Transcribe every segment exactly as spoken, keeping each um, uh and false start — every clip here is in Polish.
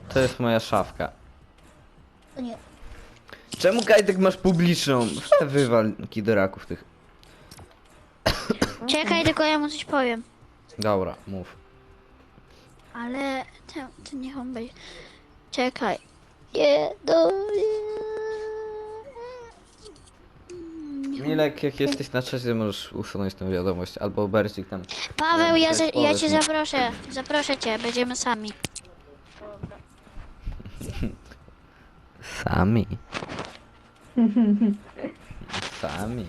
To jest moja szafka. To nie. Czemu Kajtek masz publiczną? Wywal kidoraków tych. Czekaj, tylko ja mu coś powiem. Dobra, mów. Ale to, to niech on będzie. Czekaj. Nie, do... Milek, jak jesteś na czasie, możesz usunąć tę wiadomość, albo Bercik tam. Paweł, ja, za, ja Powiedz cię mi. zaproszę. Zaproszę cię, będziemy sami. Sami. Sami.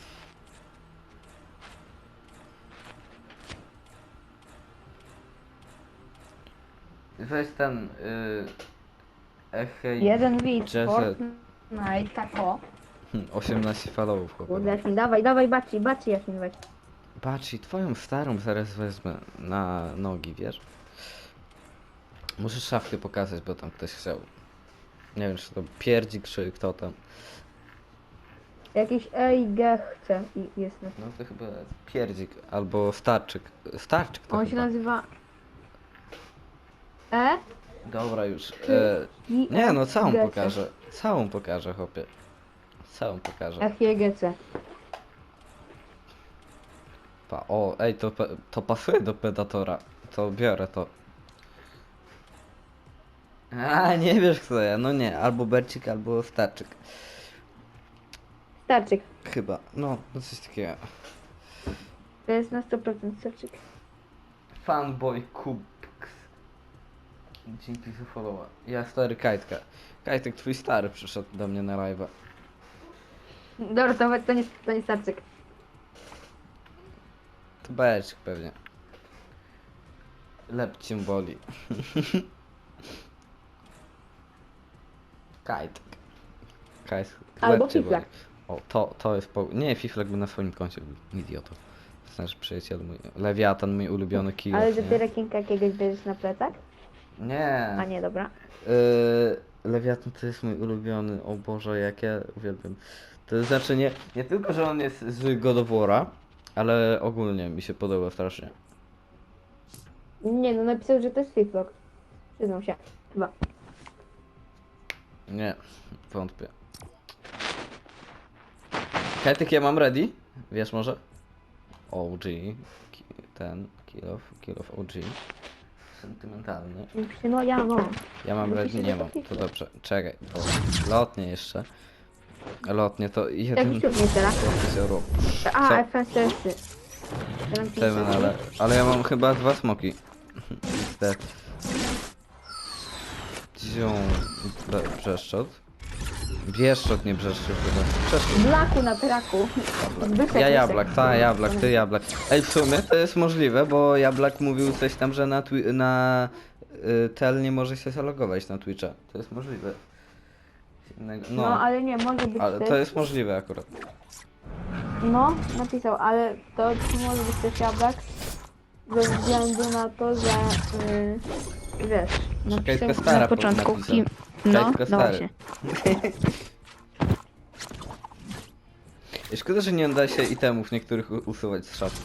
Weź ten... Yy, Echej... Jeden widz, Jazz- Fortnite, tako. osiemnaście falowów, Kurde, chłopie. Jasmin, dawaj, dawaj, baci, baci, Jasmin, weź. Patrz, i twoją starą zaraz wezmę na nogi, wiesz? Muszę szafkę pokazać, bo tam ktoś chciał. Nie wiem, czy to pierdzik, czy kto tam. Jakiś E I G chce i jest na... No to chyba pierdzik, albo starczyk. Starczyk to On się chyba. nazywa... E? Dobra już. E, I nie no, całą G C. pokażę. Całą pokażę, chłopie. Całą pokażę. F I G C. Pa, o, ej, to, pe- to pasuje do Predatora. To biorę to. A, nie wiesz kto ja, no nie, albo Bercik, albo Starczyk. Starczyk. Chyba, no, no coś takiego. To jest na sto procent starczyk. Fanboy Kubks. Dzięki za followa. Ja stary Kajtka. Kajtek, twój stary przyszedł do mnie na live'a. Dobra, to, to, nie, to nie starczyk. To Bercik pewnie. Lep cię boli. Kajtek. Kajtek. Albo lep cię Fiflak. boli. O, to, to jest po... Nie, Fiflak by na swoim koncie był. Idioto. Znaczy przyjaciel mój. Lewiatan, mój ulubiony kijów, Ale nie? że ty rekinka jakiegoś bierzesz na plecach? Nie. A nie, dobra. Yy, Lewiatan to jest mój ulubiony, o Boże, jak ja uwielbiam. To znaczy nie, nie tylko, że on jest z God of War'a, ale ogólnie mi się podoba strasznie. Nie, no napisał, że to jest Fiflock. Przyznam się. Chyba. Nie, wątpię. Kajtek, ja mam ready? Wiesz może? O G, ki- ten, kill of, kill of O G. Sentymentalny. No ja no. Ja mam Muszę ready? się Nie mam, zapisać. to dobrze. Czekaj, bo lotnie jeszcze. Lotnie to jeden... Jaki ciut nie teraz? euro. A, Co? F S S. Seven, ale, ale ja mam chyba dwa smoki. Te. Dzią... bre- Brzeszczot. Bieszczot, nie brzeszczot chyba. Brzeszczot. Blaku na traku. Zbyszek Ja jest jablak, taki- ta jablak, ty jablak. Ej, w sumie to jest możliwe, bo jablak mówił coś tam, że na, twi- na y, tel nie może się zalogować na Twitcha. To jest możliwe. Innego- No, No, ale nie, może być ale też. to jest możliwe akurat. No, napisał, ale to może być też jablak. Ze względu na to, że yy, wiesz, Kajtka napisał stara na początku napisał. kim. No, Kajtka no stary. właśnie. I szkoda, że nie da się itemów niektórych u- usuwać z szafki.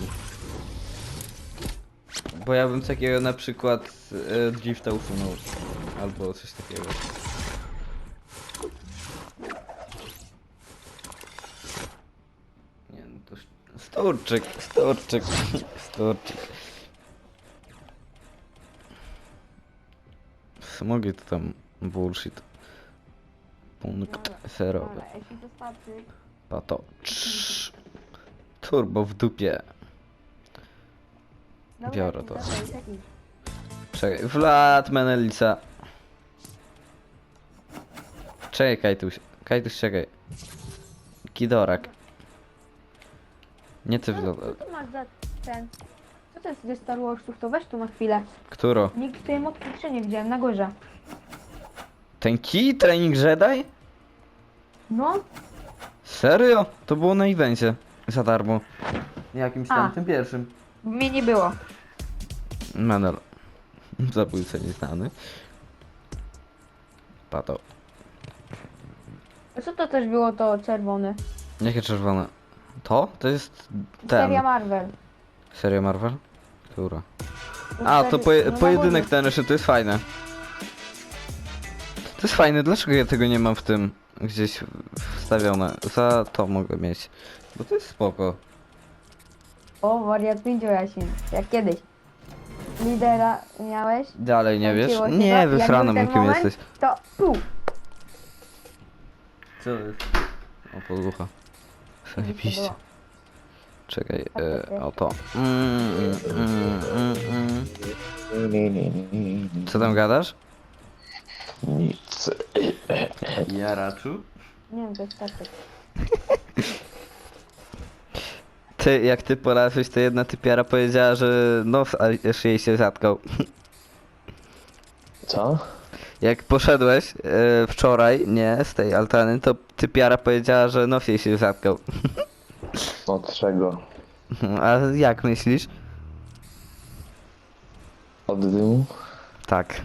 Bo ja bym takiego na przykład e, drifta usunął. Albo coś takiego. Nie no to... sz- Storczyk, storczyk, storczyk. Smogi to tam bullshit. Punkt zerowy. Dobra, jeśli to starczy. Pato. Cz. Turbo w dupie. Dobra, Biorę jeśli to. starczy, taki. Czekaj, Vlad Menelica. Czekaj, Kajtuś. Kajtuś, czekaj. Kidorak. Nie ty Co, Vlad. co ty masz za ten? Co to jest ze Star Warsów? To weź tu na chwilę. Któro? Nikt tej motki jeszcze nie widziałem, na górze. Ten key training Jedi? No, Serio? To było na evencie. Za darmo. Jakimś tam, A. tym pierwszym. mnie nie było. Menel. Zabójca nieznany. Pato. A co to też było to czerwone? Jakie czerwone? To? To jest ten. Seria Marvel. Seria Marvel? Która? No A, wtedy- to poje no na pojedynek górze. ten jeszcze, to jest fajne. To jest fajne, dlaczego ja tego nie mam w tym gdzieś wstawione? Za to mogę mieć. Bo to jest spoko. O, wariat pięciu Jasin, jak kiedyś. Lidera miałeś? Dalej nie wiesz? Kręciło się Nie, to, jak wysranym był ten kim moment, jesteś. To tu. Co jest? O, podłucha. Zajebiście. Czekaj, e, o to. Mm, mm, mm, mm. Co tam gadasz? Nic. Jaraczu? Nie wiem, to jest statek. Ty, jak ty porażłeś, to jedna typiara powiedziała, że nos aż jej się zatkał. Co? Jak poszedłeś e, wczoraj, nie, z tej altany, to typiara powiedziała, że nos jej się zatkał. Od czego? A jak myślisz? Od dymu? Tak.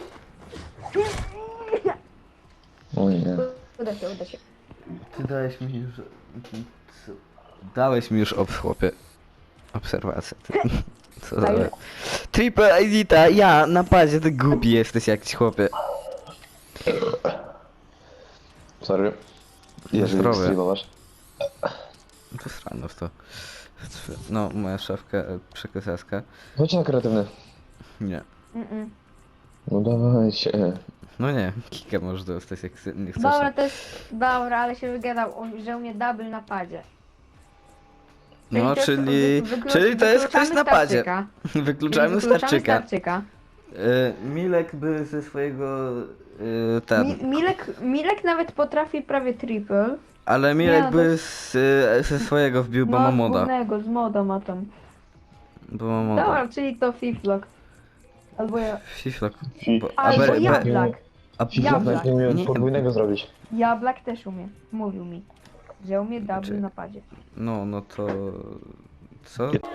O nie. Uda się, uda się. Ty dałeś mi już... Dałeś mi już ob chłopie. Obserwację. Co za... Daj. Triple Edita, ja na padzie, ty głupi jesteś jakiś chłopie. Sorry. Jeżeli Zdrowie. streamowasz. To strano w to. No, moja szafka, e, przekazaska. Chodź na kreatywny. Nie. Mm-mm. No dawaj się. No nie, kika możesz dostać jak chce- nie chcesz. Dobra, to jest... Dobra, ale się wygadał, o- że u mnie double na padzie. No, to jest- czyli... wy- wyklu- Czyli to jest ktoś wykluczamy na padzie. Starczyka. Wykluczamy Wykluczamy starczyka. Starczyka. E, Milek by ze swojego... E, ten... Mi, Milek, Milek nawet potrafi prawie triple. Ale Milek no to- by z, e, ze swojego wbił, bo ma No, moda. wspólnego, z moda ma tam. Bo ma moda. Dobra, czyli to Fiflock. Albo ja... Fiflok. Fi- Bo- a Albo be- be- Jablak. a Fiflak Jablak. nawet nie umie Nie- podwójnego zrobić. Jablak też umie. Mówił mi, że umie double Znaczy- na padzie. No, no to... Co?